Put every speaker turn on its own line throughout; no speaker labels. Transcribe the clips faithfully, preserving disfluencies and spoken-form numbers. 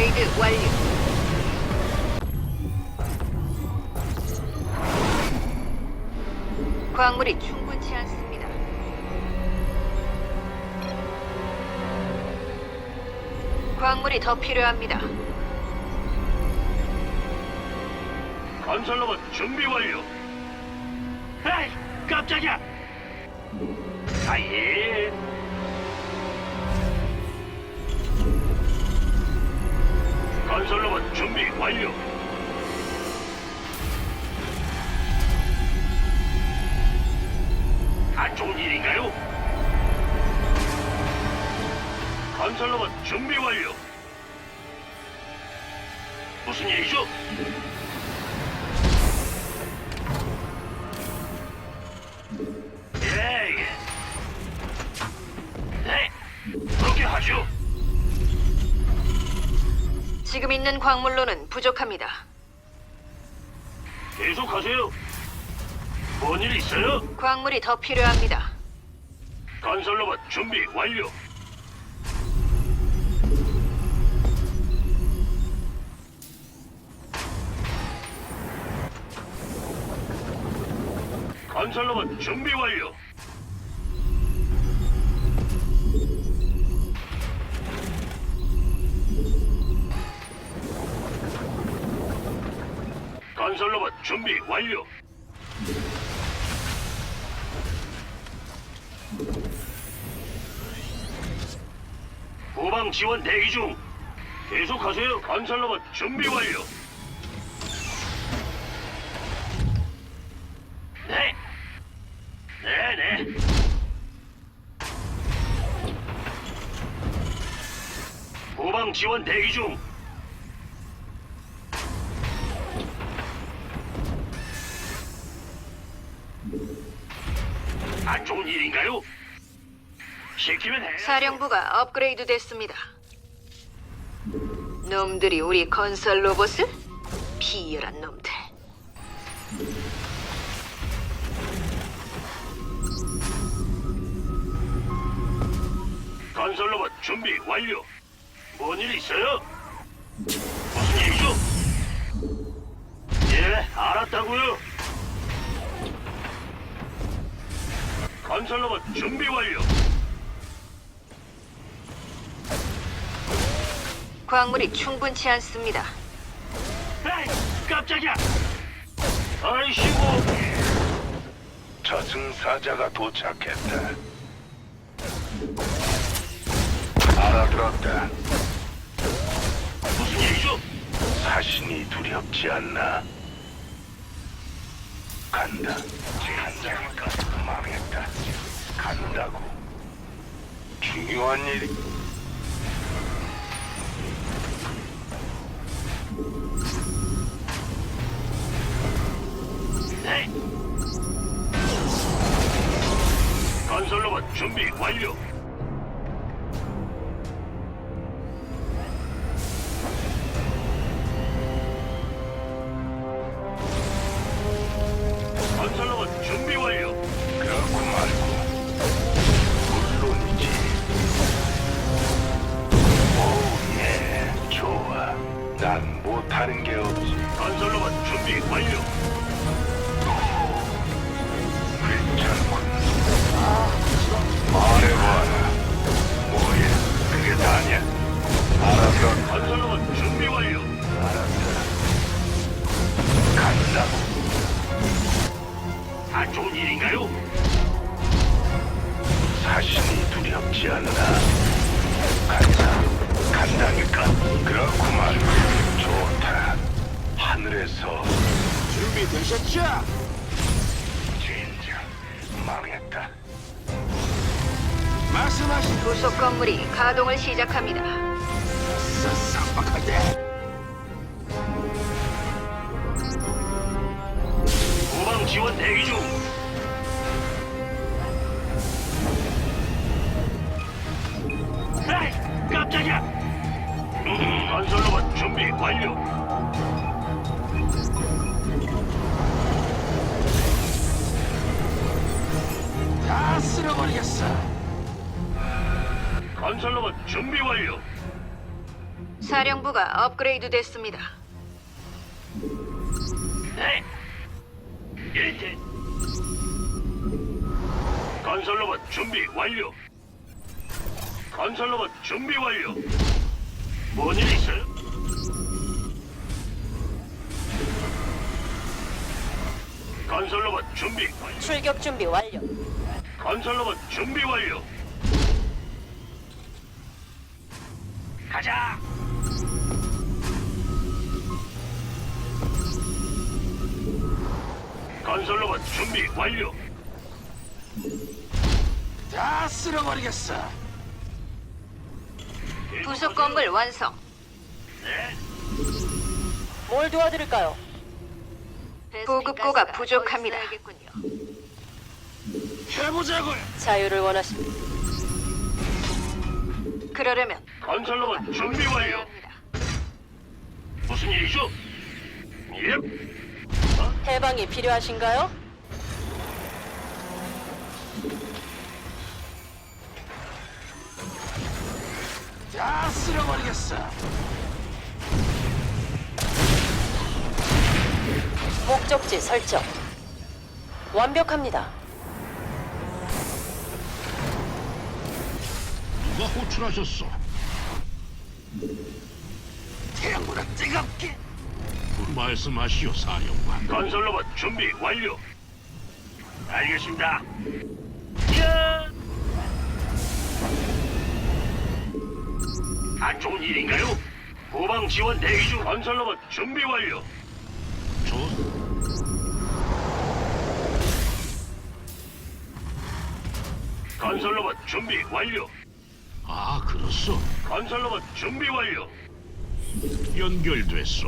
업그레이드 완료. 광물이 충분치 않습니다. 광물이 더 필요합니다.
건설로봇 준비 완료. 에이, 깜짝이야. 아예. 건설로봇 준비 완료. 안 좋은 일인가요? 건설로봇 준비 완료. 무슨 일이죠? 예, 예. 네, 그렇게 하죠.
지금 있는 광물로는 부족합니다.
계속하세요. 뭔 일 있어요?
광물이 더 필요합니다.
건설로봇 준비 완료. 건설로봇 준비 완료. 건설로봇 준비 완료. 후방 지원 대기 중. 계속하세요. 건설로봇 준비 완료. 네. 네네. 후방 지원 대기 중. 안 좋은 일인가요? 시키면 해.
사령부가 업그레이드 됐습니다. 놈들이 우리 건설 로봇을? 비열한 놈들.
건설로봇 준비 완료. 뭔 일 있어요? 무슨 일이죠? 예, 알았다고요. 건설로봇 준비 완료.
광물이 충분치 않습니다.
에이, 깜짝이야. 아이씨고.
저승사자가 도착했다. 알아들었다.
무슨 일이죠?
사신이 두렵지 않나? 간다. 간다니까 망했다. 간다고. 중요한 일이.
네. 건설로봇 준비 완료. 건설로봇 준비 완료.
그렇고 말고. 물론이지. 오, 예. 좋아. 난 못하는 게 없지.
건설로봇 준비 완료.
괜찮군. 말해봐라. 뭐야? 그게 다냐? 알았어.
건설로봇 준비 완료.
알았어. 간다고.
안 좋은 일인가요?
사신이 두렵지 않나? 간다. 간다니까. 그렇고 말고. 좋다. 하늘에서
준비되셨죠?
진짜 망했다.
말씀하신
부속 건물이 가동을 시작합니다.
쌈박한데
후방 지원 대기 중. 에이, 깜짝이야. 음, 건설로봇 준비 완료.
다 쓸어버리겠어.
건설로봇 준비 완료.
사령부가 업그레이드 됐습니다.
네. 일대. 건설로봇 준비 완료. 건설로봇 준비 완료. 뭔일 있어요? 건설로봇 준비 완료.
출격 준비 완료.
건설로봇 준비 완료. 가자. 건설로봇 준비 완료.
다 쓸어버리겠어.
부속 건물 완성.
네.
뭘 도와드릴까요?
보급고가 부족합니다.
해보자고요.
자유를 원하십니다.
그러려면
건설로봇 준비 완료.
합니다.
무슨 일이죠? 예.
해방이 필요하신가요?
다 쓸어버리겠어.
목적지 설정. 완벽합니다.
누가 호출하셨어?
태양보다 뜨겁게.
말씀하시오, 사령관.
건설로봇 준비 완료. 알겠습니다. 야! 안 좋은 일인가요? 후방 지원 대기 중. 건설로봇 준비 완료.
저
건설로봇 준비 완료.
아, 그렇소.
건설로봇 준비 완료.
연결됐소.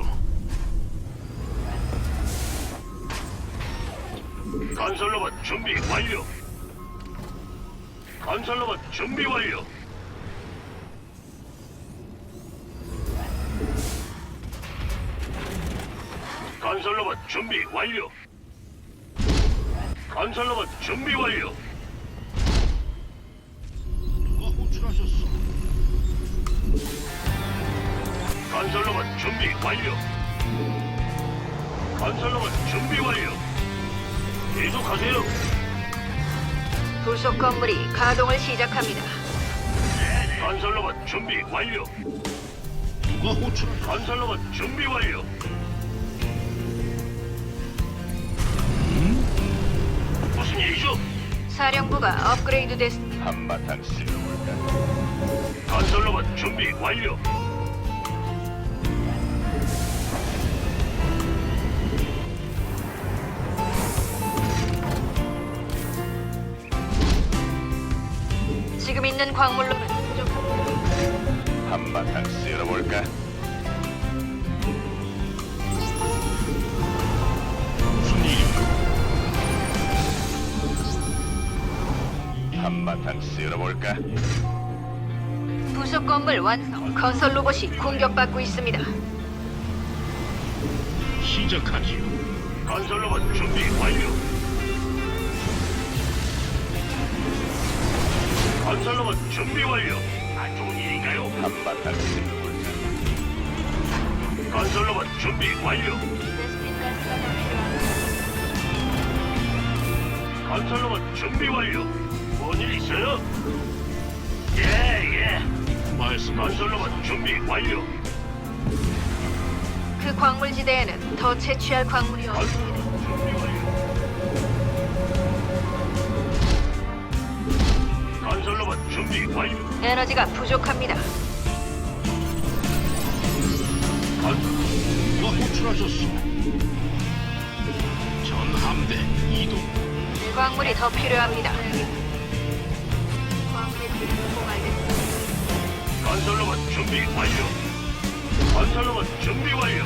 건설로봇 준비 완료. 건설로봇 준비 완료. 건설로봇 준비 완료. 건설로봇 준비 완료.
누가 호출하셨어?
건설로봇 준비 완료. 건설로봇 준비 완료. 계속하세요.
부속 건물이 가동을 시작합니다.
건설로봇 준비 완료.
누가 호출?
건설로봇 준비 완료. 무슨 일이죠?
사령부가 업그레이드 됐습니다.
한바탕 쓸어볼까?
건설로봇 준비 완료.
지금 있는 광물로는 부족합니다.
한바탕 쓸어볼까? 무슨 일인가? 한바탕 쓸어볼까?
부속 건물 완성. 건설 로봇이 공격받고 있습니다.
시작하지요.
건설로봇 준비 완료. 건설로봇 준비 완료. 안 좋은 일인가요?
한바탕 쓸어볼까?
건설로봇 준비 완료. 건설로봇 준비 완료. 뭔 일 있어요? 예, 예.
말씀하시오.
건설로봇 준비 완료.
그 광물지대에는 더 채취할 광물이 없습니다.
건설로봇 준비 완료. 건설로봇 준비 완료.
에너지가 부족합니다.
건설
누가 호출하셨어? 전함대 이동.
광물이 더 필요합니다. 광물이 공급됐습니다.
건설로봇 준비 완료. 건설로봇 준비 완료.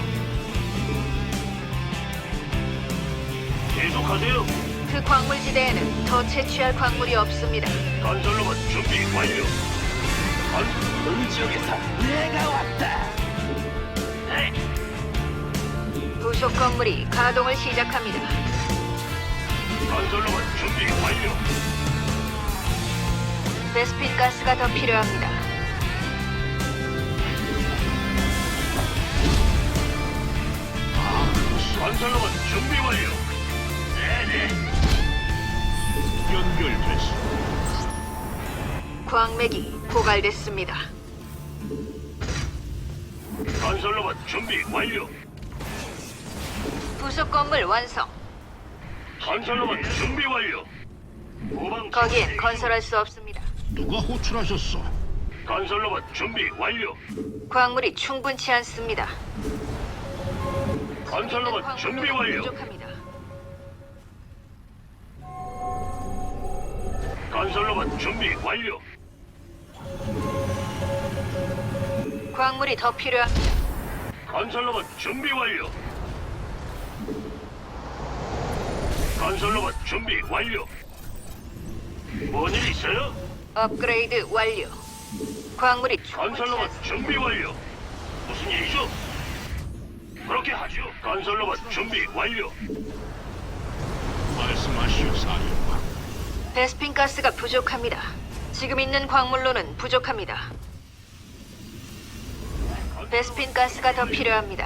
계속하세요.
그 광물지대에는 더 채취할 광물이 없습니다.
건설로봇 준비 완료. 건
음지역에서 내가 왔다.
네.
부속 건물이 가동을 시작합니다.
건설로봇 준비 완료.
베스핀 가스가 더 필요합니다.
건설로봇 준비 완료. 네네.
연결됐어.
광맥이 고갈됐습니다.
건설로봇 준비 완료.
부속 건물 완성.
건설로봇 준비 완료. 후방
거기엔 건설할 수 없습니다.
누가 호출하셨어?
건설로봇 준비 완료.
광물이 충분치 않습니다.
건설로봇 준비
광물로는
완료.
부족합니다.
건설로봇 준비 완료.
광물이 더 필요합니다.
건설로봇 준비 완료. 건설로봇 준비 완료. 뭔 일 있어요?
업그레이드 완료. 광물이 충분치
건설로봇
않습니다.
준비 완료. 무슨 일이죠? 그렇게 하죠. 건설로봇 준비 완료.
말씀하시오, 사령관.
베스핀 가스가 부족합니다. 지금 있는 광물로는 부족합니다. 베스핀 가스가 더 필요합니다.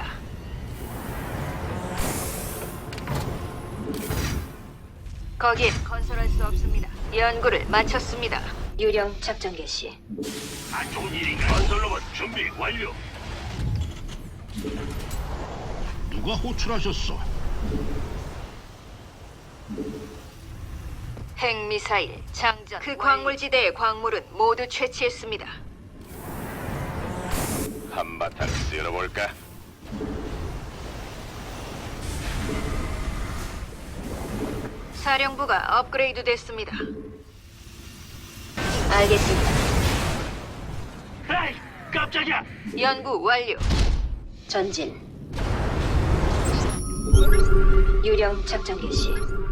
거기엔 건설할 수 없습니다. 연구를 마쳤습니다. 유령 작전 개시.
안 좋은 일인가? 건설로봇 준비 완료.
누가 호출하셨어?
핵미사일 장전. 그 광물지대의 광물은 모두 채취했습니다.
한바탕 쓸어볼까?
사령부가 업그레이드 됐습니다. 알겠습니다.
에이, 깜짝이야.
연구 완료.
전진. 유령 작전 개시.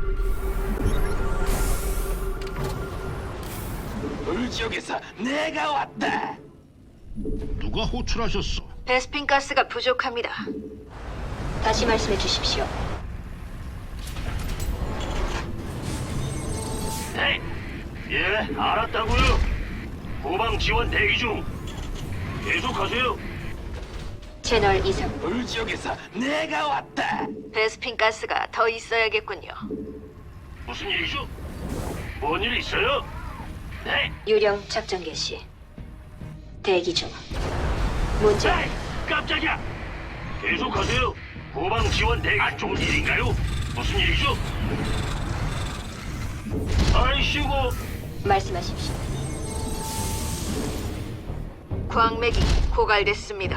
물지역에서 내가 왔다.
누가 호출하셨어?
베스핀 가스가 부족합니다.
다시 말씀해 주십시오.
에이, 예, 알았다고요. 후방 지원 대기 중. 계속하세요.
채널 이상.
물지역에서 내가 왔다.
베스핀 가스가 더 있어야겠군요.
무슨 일이죠? 뭔 일 있어요? 네.
유령 작전 개시. 대기 중. 문제.
에이, 깜짝이야. 계속하세요. 후방 지원 대기. 안 좋은 일인가요? 무슨 일이죠? 아이씨고.
말씀하십시오.
광맥이 고갈됐습니다.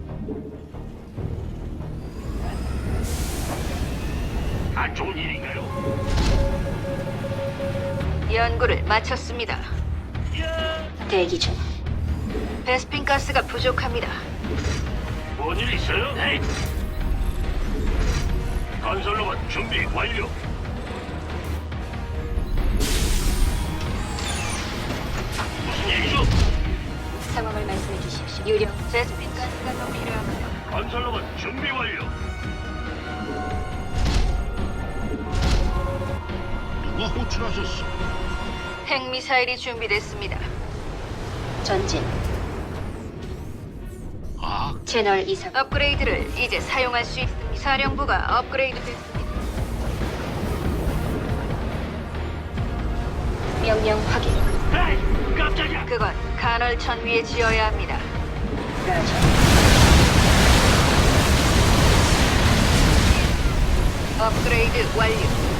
안 좋은 일인가요?
연구를 마쳤습니다.
대기 중.
베스핀 가스가 부족합니다.
뭔 일 있어요? 네. 건설로봇 준비 완료. 무슨 일이죠?
상황을 말씀해 주십시오. 유령.
베스핀 가스가 더 필요합니다.
건설로봇 준비 완료.
누가 호출하셨어?
핵미사일이 준비됐습니다.
전진.
아,
채널 이상.
업그레이드를 이제 사용할 수 있습니다. 사령부가 업그레이드 됐습니다.
명령 확인.
에이, 깜짝이야.
그건 간헐천 위에 지어야 합니다.
라저.
업그레이드 완료.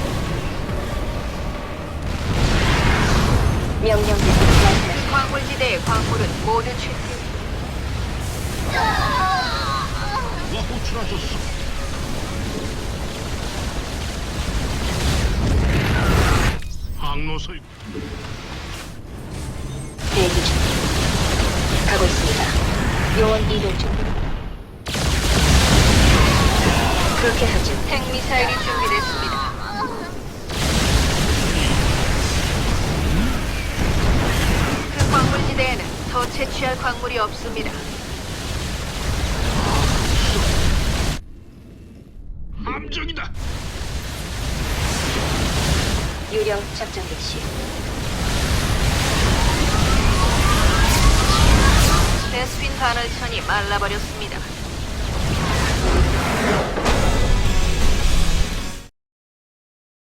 명령 대기 말씀하십시오.
광물지대의 광물은 모두 채취.
누가 호출하셨어? 항로설
대기 중. 가고 있습니다. 요원 이동 중. 그렇게 하죠.
핵미사일이 준비됐습니다. 그 광물지대에는 더 채취할 광물이 없습니다.
함정이다.
유령 작전 개시.
베스핀 간헐천이 말라버렸습니다.